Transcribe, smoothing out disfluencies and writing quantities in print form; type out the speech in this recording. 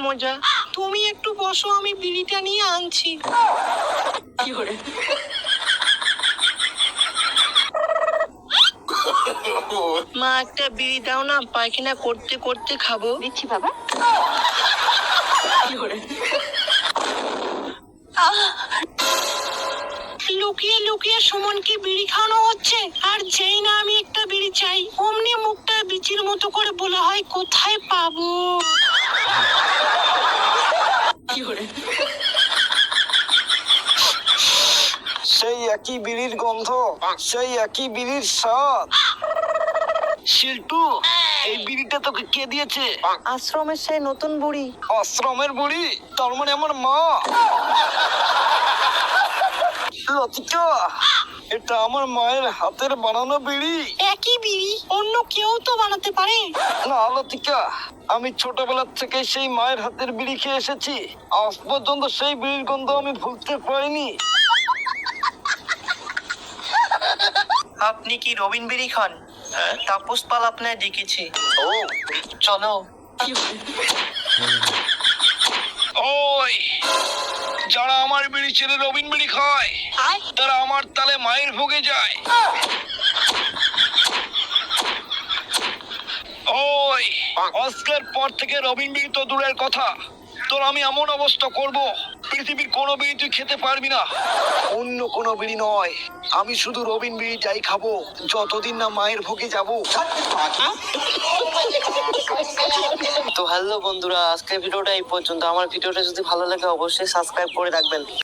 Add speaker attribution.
Speaker 1: মজা। তুমি একটু বসো, আমি বিড়িটা নিয়ে আনছি। মা একটা বিড়ি দাও না, পায়খানা করতে করতে খাবো।
Speaker 2: দিচ্ছি বাবা।
Speaker 1: লুকিয়ে লুকিয়ে সুমনকে বিড়ি খাওয়ানো হচ্ছে, আর যেই না আমি একটা বিড়ি চাই অমনি মুখটা বিচির মতো করে বলা হয় কোথায় পাবো।
Speaker 3: সেই একই বিড়ির গন্ধ, সেই একই বিড়ির স্বাদ। শিল্টু, এই বিড়িটা তোকে কে দিয়েছে?
Speaker 1: আশ্রমের সেই নতুন বুড়ি।
Speaker 3: আশ্রমের বুড়ি? তার মানে আমার মা। লতিকা, এটা আমার মায়ের হাতের বানানো বিড়ি।
Speaker 1: একই বিড়ি, অন্য কেউ তো বানাতে পারে।
Speaker 3: না লতিকা, আমি ছোটবেলার থেকে সেই মায়ের হাতের বিড়ি খেয়ে এসেছি। আজ পর্যন্ত সেই বিড়ির গন্ধ আমি ভুলতে পারিনি।
Speaker 1: আপনি কি রবিন বিড়ি খান? তাপস পাল আপনার ডেকেছে।
Speaker 3: ও,
Speaker 1: চলো।
Speaker 3: ওই যারা আমার বিড়ি ছেড়ে রবিন বিড়ি খায় তারা আমার তালে মায়ের ভোগে যায়। ওই আজকের পর থেকে রবিন বিড়ি তো দূরের কথা, তোর আমি এমন অবস্থা করব পৃথিবীর কোনো বিড়ি তুই খেতে পারবি না। অন্য কোনো বিড়ি নয়, আমি শুধু রবিন বিড়িটাই খাবো যতদিন না মায়ের ভোগে যাব।
Speaker 1: তো হ্যালো বন্ধুরা, আজকের ভিডিওটা এই পর্যন্ত। আমার ভিডিওটা যদি ভালো লাগে অবশ্যই সাবস্ক্রাইব করে রাখবেন।